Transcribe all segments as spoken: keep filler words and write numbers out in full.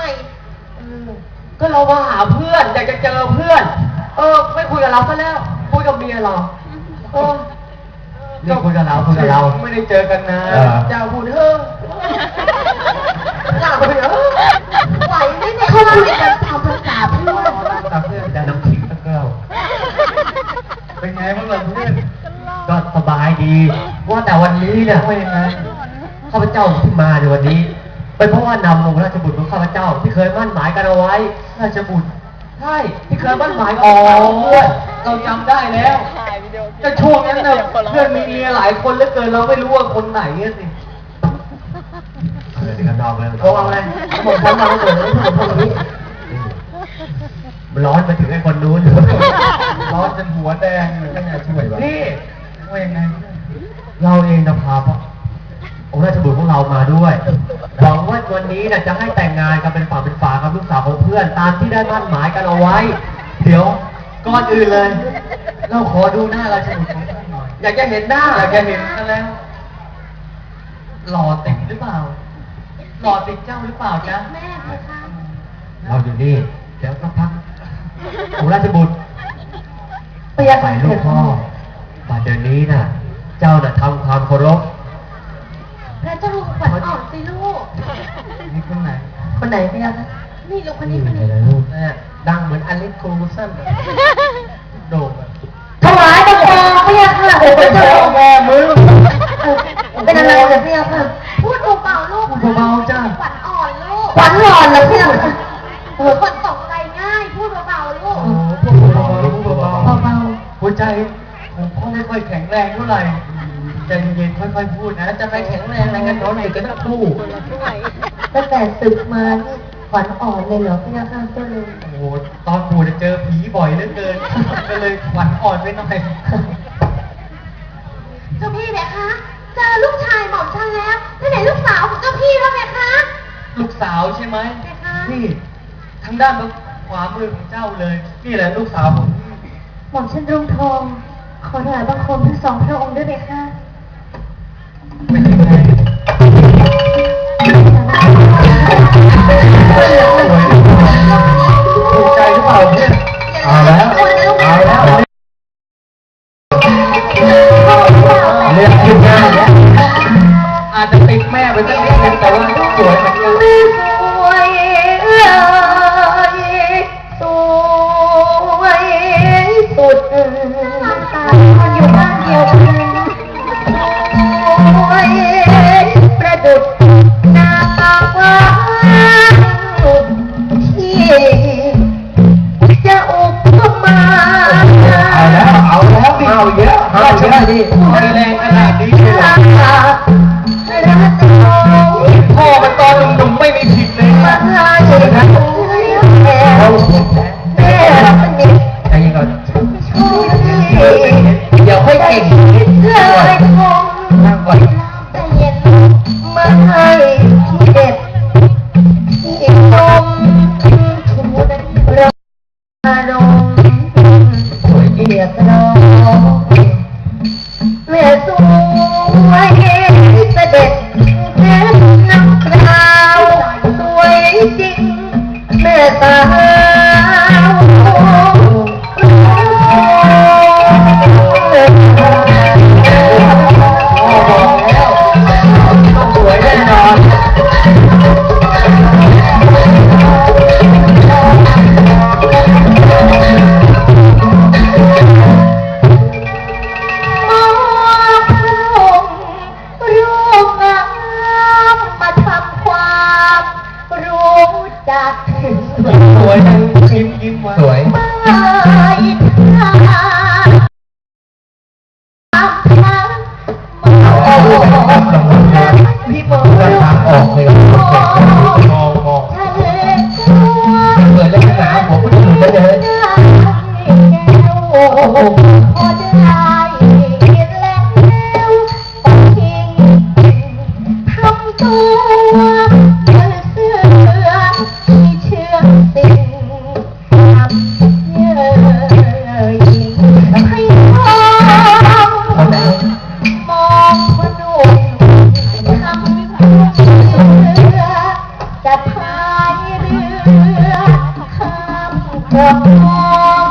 ก็เรามาหาเพื่อนอยากจะเจอเพื่อนเออไม่คุยกับเราซะแล้วคุยกับเมียเราเออเรื่องคุยกับเราคุยกับเราไม่ได้เจอกันนะเจ้าพูดเฮ้อเจ้าพูดเฮ้อไหวไหมเนี่ยเขาคุยกันทำภาษาเพื่อนภาษาเพื่อนแต่น้ำขิงตะเกียวเป็นไงบ้างล่ะเพื่อนก็สบายดีว่าแต่วันนี้เนี่ยว่ายังไงข้าพเจ้าที่มาในวันนี้เป็นเพราะว่านำองค์ราชบุตรของข้าพเจ้าที่เคยมั่นหมายกันเอาไว้ราชบุตรใช่ที่เคยมั่นหมายอ๋อเราจำได้แล้วแต่ช่วงนั้นเนี่ยเพื่อนมีเมียหลายคนเหลือเกินเราไม่รู้ว่าคนไหนสิเออเดี๋ยวกันดองเลยเขาเอาอะไรเขาบอกฉันมาเกิดเลยเขาบอกนี้ร้อนไปถึงไอ้คนนู้นร้อนจนหัวแดงเลยก็อยากช่วยวะนี่ว่ายังไงเราเองจะพาพ่อองค์ราชบุตรของเรามาด้วยหวังว่าวันนี้นะจะให้แต่งงานกันเป็นฝั่งเป็นฝากับลูกสาวของเพื่อนตามที่ได้มั่นหมายกันเอาไว้เดี๋ยวก่อนอื่นเลยเราขอดูหน้าราชบุตรของท่านหน่อยอยากจะเห็นหน้าอยากจะเห็นกันแล้วหล่อติดหรือเปล่าหล่อติดเจ้าหรือเปล่าจ๊ะแม่ค่ะเราอยู่นี่เดี๋ยวสักพักองค์ราชบุตรไปยังไงลูกพ่อบัดเดี๋ยวนี้น่ะเจ้าน่ะทำความเคารพพระเจ้าขวัญอ่อนสิลูกนี่คนไหนคนไหนพี่ยักษ์นี่ลูกคนนี้คนนี้ลูกเนี่ยดังเหมือนอเล็กโคลูซันโด่งถวายบังคมพี่ยักษ์ค่ะโอ้พระเจ้าแม่มือเป็นอะไรเนี่ยพี่ยักษ์ค่ะพูดเบาๆลูกพูดเบาๆจ้าขวัญอ่อนลูกขวัญอ่อนเหรอพี่ยักษ์เออคนตกใจง่ายพูดเบาๆลูกพูดเบาๆพูดเบาๆเบาๆหัวใจผมก็ไม่ค่อยแข็งแรงเท่าไหร่ใจเย็นค่อยๆพูดนะจะไปแข็งแรงอะไรกันน้องอยู่กันทั้งคู่ตั้งแต่ศึกมานี่ขวัญอ่อนเลยเหรอพี่นาข้าเจ้าเลยโอ้โหตอนปู่จะเจอผีบ่อยเหลือเกินก็เลยขวัญอ่อนไปหน่อยเจ้าพี่เนี่ยคะเจอลูกชายหม่อมฉันแล้วที่ไหนลูกสาวของเจ้าพี่แล้วเนี่ยคะลูกสาวใช่ไหมนี่ทางด้านขวามือของเจ้าเลยนี่แหละลูกสาวผมหม่อมฉันรุ่งทองขอถวายบังคมทั้งสองพระองค์ด้วยไหมคะเป็นยังไงถูกใจหรือเปล่าเนี่ยเอาแล้วเอาแล้วเรียกขึ้นหน้าเนี่ยอาจจะติดแม่ไปสักนิดนึงแต่ว่าสวยเหมือนกันสวยสวยสุดตาอยู่บ้านเดียวกันประดุจนางฟ้าที่จะอุปมาเอาแล้วเอาแล้วเอาเยอะเอาเยอะดิมีแรงขนาดนี้เลยพ่อมันตอนหนุ่มๆไม่มีผิดเลยนะเดี๋ยวนะเราแม่ใจเย็นก่อนเดี๋ยวค่อยเก่งนั่งก่อนมาให้เด็ดที่นมชูเราอารมณ์สวยเอียดน้องแม่สวยเสด็จแม่น้ำคราวสวยจริงแม่สาวสวยแน่นอนสวยยิ้มยิ้มสวยพี่มองทางออกเลยมองมองเปิดเล่นหนาผมก็ดูได้เลยโอ้โหพอจะได้เห็นแล้วทิ้งทำตัวเชื่อเชื่อที่เชื่อสิ่งทำเยอะยิ่งให้มองมองคนดูทำให้ปวดท้อง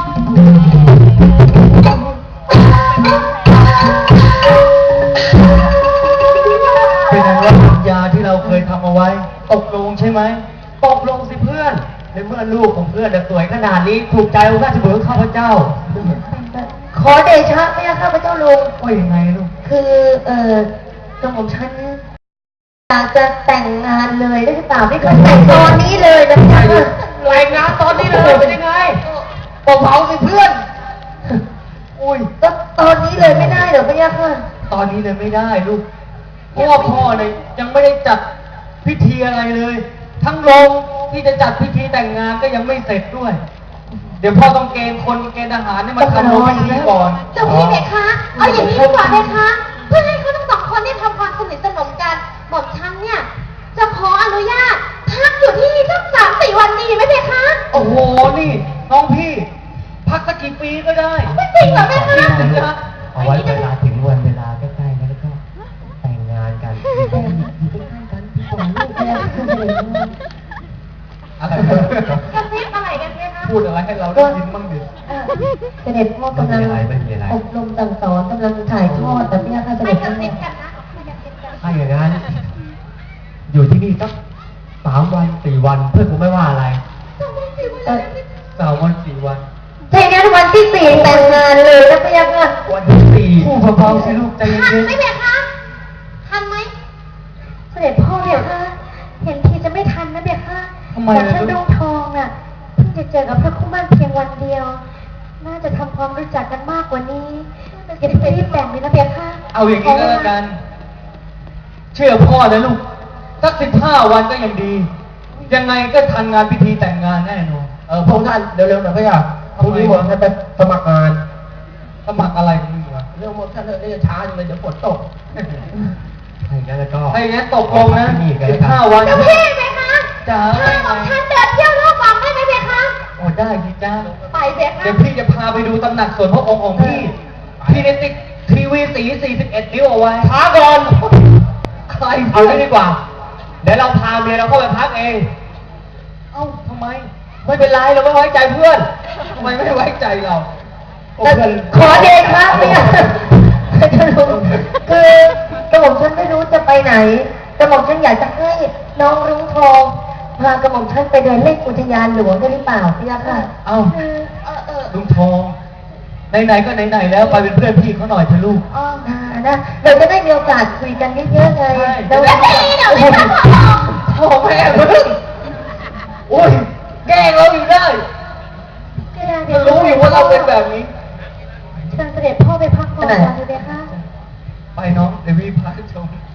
เป็นไงว่าสัญญาที่เราเคยทำเอาไว้ตกลงใช่ไหมตกลงสิเพื่อนในเมื่อลูกของเพื่อนสวยขนาดนี้ถูกใจองค์ราชบุตรข้าพเจ้าขอเดชะพระยาข้าพเจ้าลุงว่ายังไงลูกคือเอ่อกระหม่อมฉันอยากจะแต่งงานเลยได้หรือเปล่าไม่เคยแต่งตอนนี้เลยนะพี่ค่ะรายงานตอนนี้เลยเป็นยังไงบอกเผาสิเพื่อนอุ้ยก็ตอนนี้เลยไม่ได้เหรอพี่ยาค่ะตอนนี้เลยไม่ได้ลูกเพราะว่าพ่อเนี่ยยังไม่ได้จัดพิธีอะไรเลย ทั้งโรงที่จะจัดพิธีแต่งงานก็ยังไม่เสร็จด้วย เดี๋ยวพ่อต้องเกณฑ์คนเกณฑ์ทหารเนี่ยมาทำโรงพิธีก่อนเจ้าพี่เพคะ เอาอย่างนี้ดีกว่าเพคะ เพื่อให้เขาทั้งสองคนได้ทำความสนิทสนมกันหม่อมฉันเนี่ย จะขออนุญาตพักอยู่ที่นี่สักสามสี่วันดีไหมเพคะโอ้โหนี่น้องพี่ พักสักกี่ปีก็ได้ไม่จริงเหรอเพคะจริงนะเอาไว้เวลาถึงวันเวลาใกล้ๆแล้วก็แต่งงานกันอยู่ใกล้ๆกันที่ผมลูกแม่ขึ้นเลยอะไรกระซิบอะไรกันเพคะพูดอะไรให้เราได้ยินบ้างดิเอ่อเสด็จพ่อกำลังอบรมสั่งสอนกำลังถ่ายทอดแต่พี่ยาค่ะเสไม่ด็จกระพ่ซิอบกันนะไม่กระซิบกันถ้าอย่างนั้น อยู่ที่นี่สักสามวันสี่วันเพื่อนคงไม่ว่าอะไรเอ่อสามวันสี่วันถ้าอย่างนั้นวันที่สี่แต่งงานเลยนะพี่ยาค่ะวันที่สี่ผู้เบาๆสิลูกใจทันเย็นไหมเพคะ ทันไหมเสด็จพ่อเนี่ยค่ะเห็นทีจะไม่ทันนะเพคะๆทำไมแต่ล่ะฉันลูดกวงทองน่ะเพิ่งจะเจอกับพระคู่มั่นเพียงวันเดียว น่าจะทำความรู้จักกันมากกว่านี้อย่าเพิ่งรีบแต่งเลยนะเพคะเอาอย่างนี้ก็แล้วกัน เชื่อพ่อนะลูกสักสิบห้าวันก็ยังดี ยังไงก็ทันงานพิธีแต่งงานแน่นอนเออพวกท่านเร็วๆหน่อยพี่อ่ะพรุ่งนี้ผมจะไปสมัครงานสมัครอะไรกันมึงวะเรื่องหมดท่านเลยจะช้าจังเลยเดี๋ยวฝนตกถ้าอย่างนั้นแล้วก็ถ้าอย่างนั้นตกลงนะที่นี่กันสิแล้วบกันห้าวันเจ้าพี่ไหมคะจ๋าพาหม่อมฉันเดินเที่ยวรอบวังได้ไหมเพคะโอ้ได้ดิจ้าไปเพคะเดี๋ยวพี่จะพาไปดูตำหนักส่วนพระองค์ของพี่ พี่ได้ติดทีวีสีสี่สิบเอ็ดนิ้วเอาไว้ช้าก่อนใครเอางี้ดีกว่า เดี๋ยวเราพาเมียเราเข้าไปพักเองเอ้าทำไม ไม่เป็นไรเราไม่ไว้ใจเพื่อนทำไมไม่ไว้ใจเราโอ้แต่เพื่อนขอเดชะเนี่ยจะรู้คือกระหม่อมฉันไม่รู้จะไปไหนกระหม่อมฉันอยากจะให้น้องรุ้งทองพากระหม่อมฉันไปเดินเล่นอุทยานหลวงได้หรือเปล่าพี่ยักษ์ค่ะเอ้าคือเออเออลุงทองไหนๆก็ไหนๆแล้วไปเป็นเพื่อนพี่เขาหน่อยเถอะลูกอ๋ออ่านะเราจะได้มีโอกาสคุยกันเยอะๆไงใช่แล้วแล้วพี่เดี๋ยวไม่ต้องขอพ่อแม่มึงอุ้ยแกล้งเราอยู่ได้ก็ได้มันรู้อยู่ว่าเราเป็นแบบนี้เชิญเสด็จพ่อไปพักผ่อนก่อนเลยเพคะไปน้องเดี๋ยวพี่พาชม